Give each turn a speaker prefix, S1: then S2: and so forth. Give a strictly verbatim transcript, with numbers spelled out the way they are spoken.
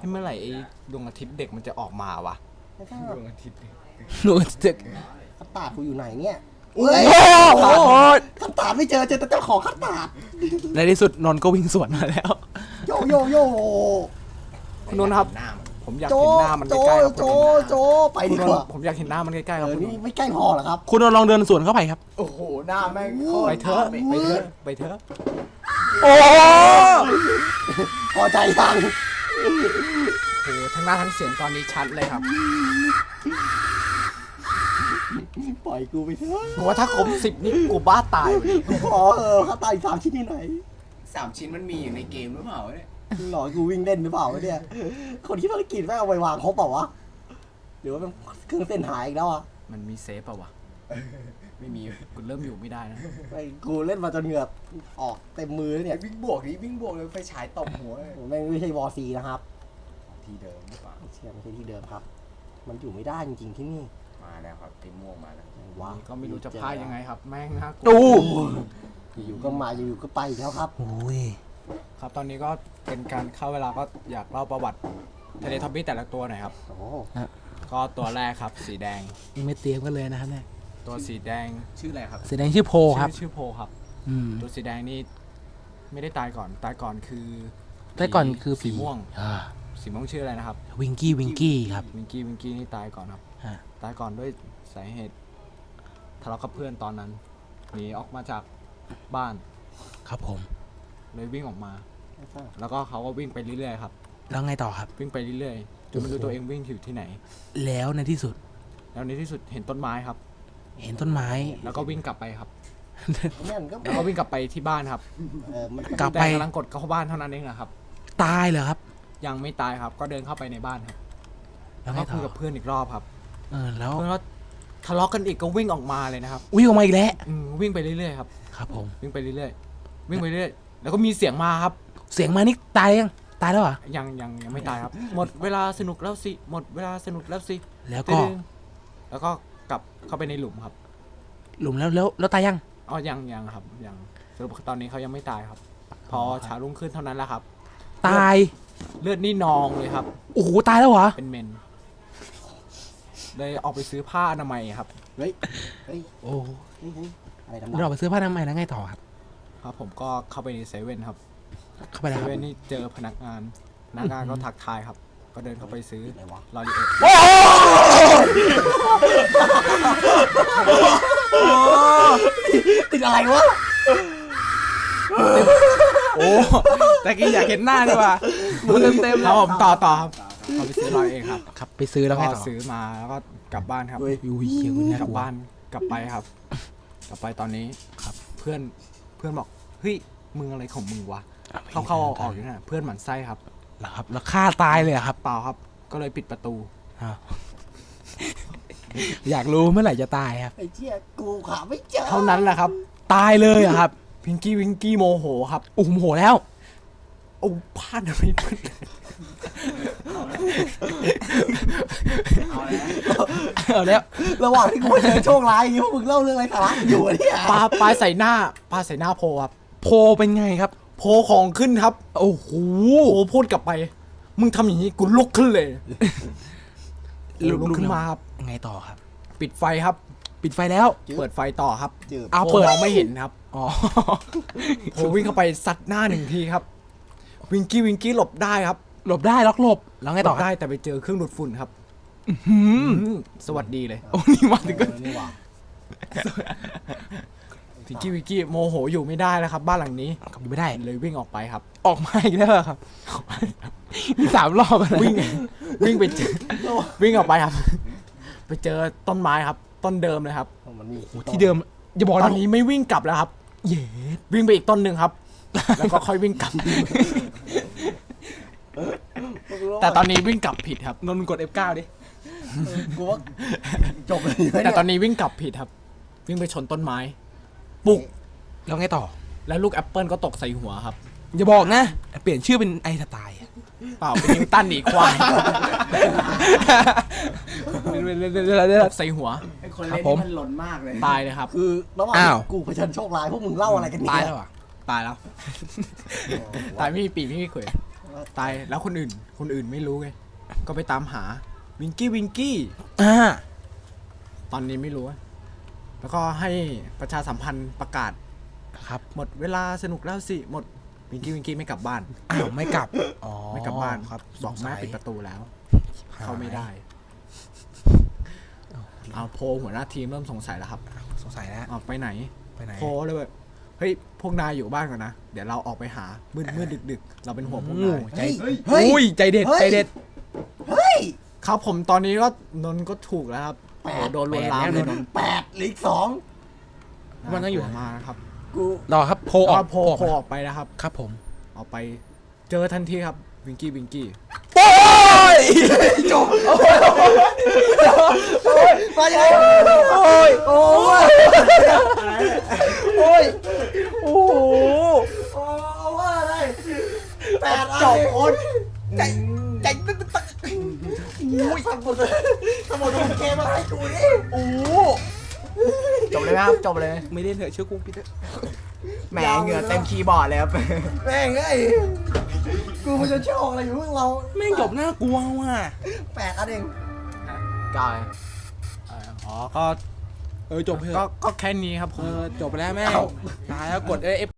S1: เมื่อไหร่ไอ้ดวงอาทิตย์เด็กมันจะออกมาวะ
S2: ดวงอาทิตย์
S3: ดวงอาทิตย์
S4: คัตตาร์ดกูอยู่ไหนเนี่ย
S3: โอ้
S4: เฮ้ย
S3: โห
S4: คัตตาร์ดไม่เจอเจอแต่เจ้าของคัตตาร์ด
S3: ในที่สุดนนท์ก็วิ่งสวนมาแล้ว
S4: โยโยโย
S1: คุณนนท์ครับ
S2: หน้ามัน
S1: ผมอยาก
S4: โจ
S1: เห็นหน้ามัน
S4: โจ
S1: ใกล้ๆครับ
S4: โจโจไป
S1: คุ
S4: ดี
S1: ณน
S4: ก
S1: น
S4: ว่า
S1: ท์ผมอยากเห็นหน้ามันใกล้ๆค
S4: เอ
S1: รับ
S4: อ
S1: คุณน
S4: นี่
S1: นท์
S4: ไม่ใกล้พอเหรอครับ
S3: คุณนนท์ลองเดินสวนเข้าไปครับ
S2: โอ้โหหน้าแม่งโคตร
S1: ไปเถอะไปเถอะไปเถอะ
S3: โอ้
S4: พอใจยัง
S1: โอ้โหทั้งหน้าทั้งเสียงตอนนี้ชัดเลยครับ
S4: ปล่อยกูไปเถอะ
S1: ผมว่าถ้าครบสิบนี่กูบ้าตายเลย
S4: กูขอเออคัตตาร์ดอีกสามชิ้นที่ไหน
S2: สามชิ้นมันมีอยู่ในเกมหรือเปล่าวะเนี่ย
S4: หลอกกูวิ่งเล่นหรือเปล่าวะเนี่ยคนที่ภารกิจแม่งเอาไปวางครบเปล่าวะหรือว่าเป็นเครื่องเส้นหายอีกแล้วอ่ะ
S1: มันมีเซฟป่าวะ
S2: ไม่มี
S1: กูเริ่มอยู่ไม่ได้นะ
S4: ไอ้กูเล่นมาจนเหงื่อออกเต็มมือเนี่ย
S2: วิ่งบวกดิวิ่งบวกเลยไฟฉายตบหัวเลย
S4: ผมแม่งไม่ใช่วอร์ซีนะครับ
S2: ทีเดิมหรือเปล่า
S4: เชื่อไม่ใช่ที่เดิมครับ มันอยู่ไม่ได้จริงๆที่นี่
S2: มาแล้วครับไอ้ม่วงมาแล้ว
S4: ว้าว
S1: ก็ไม่รู้จะพายยังไงครับ แม่งน่ากลัว
S3: ตู้
S4: อยู่ๆก็มาอยู่ๆก็ไปอีกแล้วครับ
S3: โอ้ย
S1: ครับตอนนี้ก็เป็นการเข้าเวลาก็อยากเล่าประวัติเทเลทอปปี้แต่ละตัวหน่อยครับ
S4: โอ้
S1: ก็ตัวแรกครับสีแดง
S3: ยังไม่เตรียมกันเลยนะครับเนี่ย
S1: ตัวสีแดง
S2: ชื่ออะไรครับ
S3: แสดงชื่อโพครับ
S1: ชื่อชื่อโพครับ
S3: อืม
S1: ตัวสีแดงนี่ไม่ได้ตายก่อนตายก่อนคือ
S3: แต่ก่อนคือ
S1: สีม่วง
S3: อ่า
S1: สีม่วงชื่ออะไรนะครับ
S3: วิงกี้วิงกี้ครับ
S1: วิงกี้วิงกี้นี่ตายก่อนครับ
S3: ฮะ
S1: ตายก่อนด้วยสาเหตุทะเลาะกับเพื่อนตอนนั้นหนีออกมาจากบ้าน
S3: ครับผม
S1: เลยวิ่งออกมา แล้วก็เขาก็วิ่งไปเรื่อยๆครับ
S3: แล้วไงต่อครับ
S1: วิ่งไปเรื่อยๆจนไม่รู้ตัวเองวิ่งอยู่ที่ไหน
S3: แล้วในที่สุด
S1: แล้วในที่สุดเห็นต้นไม้ครับ
S3: เห็นต้นไม้
S1: แล้วก็วิ่งกลับไปครับ
S4: แม่งก็
S1: แล้วก็วิ่งกลับไปที่บ้านครับ
S4: เออมัน
S3: กลับ
S1: แต่
S3: ไป
S1: กำลังกดเข้าบ้านเท่านั้นเองนะครับ
S3: ตายเหรอครับ
S1: ยังไม่ตายครับ ก็เดินเข้าไปในบ้านครับ
S3: แล้วไง
S1: ก็
S3: ต่
S1: คุ
S3: อย
S1: กับเพื่อนอีกรอบครับ
S3: เออแล้ว
S1: เพื่อนก็ทะเลาะกันอีกก็วิ่งออกมาเลยนะครับ
S3: วิ่งออกมาอีกแล้ว
S1: อืมวิ่งไปเรื่อยๆครับ
S3: ครับผม
S1: วิ่งไปเรื่อยๆวิ่งไปเรื่อยๆแล้วก็มีเสียงมาครับ
S3: เสียงมานี่ตายยังตายแล้วเหรอ
S1: ยังยังยังไม่ตายครับ หมดเวลาสนุกแล้วสิหมดเวลาสนุกแล้วสิ
S3: แล้วก็
S1: ตึ้งแล้วก็กลับเข้าไปในหลุมครับ
S3: หลุมแล้วแล้วแล้วตายยัง
S1: อ๋อยังยังครับยังสรุปตอนนี้เขายังไม่ตายครับ พอเช้ารุ่งขึ้นเท่านั้นแหละครับ
S3: ตาย
S1: เลือดนี่นองเลยครับ
S3: โอ้โหตายแล้วเหรอ
S1: เป็นเมนเลยออกไปซื้อผ้าอนามัยครับ
S4: เฮ้ยเฮ้ย
S3: โอ้
S4: เฮ้ยเฮ้ยอะไรดำ
S3: เราไปซื้อผ้าทำไมยแล้วไงต่อครับ
S1: ครับผมก็เข้าไปในเซเว่นครับ
S3: เข้าไป
S1: เซ
S3: แล้วครับ
S1: เว่นนี่เจอพนักงานพนักงานก็ทักทายครับ ก็เดินเข้าไปซื้อ
S4: อะไรวะ
S1: ลอรีเอ็ด
S4: ติดอะไรวะ
S1: โอ้แต่กี้อยากเห็นหน้าดีกว่าดูเต็มเต็มครับผมต่อต่อครับเขาไปซื้อลอยเองครับ
S3: ครับไปซื้อแล้วไง
S1: ก็
S3: ต่อ
S1: ซื้อมาแล้วก็กลับบ้านครับ
S4: เฮ้ย
S3: ยูยเขียวเนี่ย
S1: กลับบ้านกลับไปครับ กลับไปตอนนี้ครับ เพื่อนเพื่อนบอกเฮ้ยมึงอะไรของมึงวะเข้าเข้าออกออกอยู่นั่นนะเพื่อนหมั่นไส้ครับ
S3: เหรอครับแล้วฆ่าตายเลยเหรอครับ
S1: เปล่าครับ ก็เลยปิดประตู
S3: อ้าวอยากรู้เมื่อไหร่จะตายครับ
S4: ไอ้เจี๊ยกูขาไม่เจอ
S1: เท่านั้นแหละครับ
S3: ตายเลยเหรอครับ
S1: พิงกี้วิงกี้โมโหครับ
S3: โอ้โหโหแล้ว
S1: โอ้พลาดอะไรเพื่อน
S3: เอาแล้ว
S4: ระหว่างที่กูเจอโชคร้ายอย่างนี้พวกมึงเล่าเรื่องอะไรสาระอยู่อะเนี่ย
S1: ปลาปลาใส่หน้าปลาใส่หน้าโพครับ
S3: โพเป็นไงครับ
S1: โพของขึ้นครับ
S3: โอ้โห
S1: โพพูดกลับไป มึงทำอย่างนี้กูลุกขึ้นเลย
S3: ลุก
S1: ลุกขึ้นมาครับ
S3: ไงต่อครับ
S1: ปิดไฟครับ
S3: ปิดไฟแล้ว
S1: เปิดไฟต่อครับ
S4: จืด
S3: เอา
S1: โพ
S3: เปิด
S1: มองไม่เห็นครับ
S3: อ๋อ
S1: โพวิ่งเข้าไปซัดหน้าหนึ่งทีครับ วิงกี้วิงกี้หลบได้ครับ
S3: หลบได้ล็อกหลบแล้วไง
S1: หล
S3: ต่อบ ครับ
S1: ได้แต่ไปเจอเครื่องดูดฝุ่นครับ
S3: หืม
S1: อืมสวัสดีเลย
S3: โอ้นี่มาถึงก็
S4: เออนี่หว่า
S1: วิงกี้วิงกี้โมโหอยู่ไม่ได้แล้วครับ บ้านหลังนี้
S3: ขับไม่ได้
S1: เลยวิ่งออกไปครับ
S3: ออกมาอีกแล้วเหรอครับมีสามรอบอะไร
S1: วิ่งวิ่งไปเจอวิ่งออกไปครับ ไปเจอต้นไม้ครับ ต้นเดิมเลยครับ
S4: มันมี
S3: โอ้ที่เดิมอย่าบอก
S1: ต
S3: นะ
S1: อนนี้ไม่วิ่งกลับแล้วครับ
S3: เย้
S1: วิ่งไปอีกต้นหนึ่งครับ แล้วก็ค่อยวิ่งกลับ แต่ตอนนี้วิ่งกลับผิดครับ
S3: นนท์กด เอฟ เก้า ดิ
S4: กูว่าจบเลยไหม
S1: แต่
S4: เนี่ย
S1: ตอนนี้วิ่งกลับผิดครับ วิ่งไปชนต้นไม้ปุก
S3: แล้วไงต่อ
S1: แล้วลูกแอปเปิลก็ตกใส่หัวครับ
S3: อย่าบอกนะ เปลี่ยนชื่อเป็นไอสไตล์
S1: เปล่าเป็นนิวตันหนีควายตกใส่หัว
S2: ไอ้คน
S3: ครั
S2: เล่
S3: บ
S2: น
S3: ผม
S2: นี่มันหล่นมากเลย
S1: ตายเลยครับ
S4: คือระหว่าง
S3: อ้าว
S4: กูเผชิญโชคร้ายพวกมึงเล่าอะไรกันเนี่ย
S3: ตายแล้วอ่ะ
S1: ตายแล้ว ตายไม่มีปีกไม่มีเขว
S4: โ
S1: ตายแล้วคนอื่น คนอื่นไม่รู้ไงก็ไปตามหาวิงกี้วิงกี้
S3: อ่า
S1: ตอนนี้ไม่รู้ แล้วก็ให้ประชาสัมพันธ์ประกาศ
S3: ครับ
S1: หมดเวลาสนุกแล้วสิหมดวิงกี้วิงกี้ไม่กลับบ้าน
S3: อ้าวไม่กลับอ๋อ
S1: ไม่กลับบ้าน
S3: ครับ
S1: บอกแม่
S3: สงสัย
S1: ปิดประตูแล้ว
S3: หาย
S1: เข้าไม่ได้เอาโพลหัวหน้าทีมเริ่มสงสัยแล้วครับ
S3: สงสัยแล้ว
S1: ออกไปไหน
S3: ไปไหน
S1: โพลเลยแบบเฮ้ยพวกนายอยู่บ้านก่อนนะเดี๋ยวเราออกไปหามืดมืดดึกดึกๆ เราเป็นห่วงพวก
S3: โอ้
S1: นาย
S3: ใจ
S4: เฮ้ยเฮ้ย
S3: อุ้ยใจเด็ด
S4: เฮ้ย
S3: ใจเด็ด
S4: เฮ้ย
S1: ครับผมตอนนี้ก็นนท์ก็ถูกแล้วครับ
S4: แปด
S1: โอ้โหโดนลวนลาม
S3: แปด
S1: เลยนนท์
S4: แปดลีกสอง
S3: มันต้องอยู่
S1: มานะครับ
S4: กู
S3: รอครับโพลอ
S1: ก็
S3: อก
S1: โพล
S3: ออก
S1: โพลออกไปนะครับ
S3: ครับผม
S1: ออกไปเจอทันทีครับวิงกี้วิงกี้
S3: โอ้ย
S4: จบมายังไง
S3: โอ้ย
S4: โอ้ย
S3: โอ้ยโอ้โห
S4: โอ้ว่าอะไรแปด
S1: จบโอน
S3: ใจใจตึ๊กตึ๊กตึ๊ก
S4: อุ้ยทำหมดเลยทำหมดทุกเกมมาให้กูดิ
S3: โอ้
S1: จบเลยนะครับจบเลย
S3: ไม่ได้เถอะเชื่อกูพี่เถอะ
S1: แหมเหงื่อเต็มคีย์บอร์ดเลยครับ
S4: แม่งไอ้กูมันจะโชคอะไรอยู่พวกเรา
S3: แม่งจบน่ากลัวว่ะ
S4: แปดอันเอง
S1: กายอ๋อก็
S3: เออจบเถ
S1: ก็
S3: อะ
S1: ก็แค่นี้ครับผ
S3: เอ
S1: ม
S3: อจบไปแล้วแม่ง
S4: เอ้า
S3: ตายแล้วกดเอฟ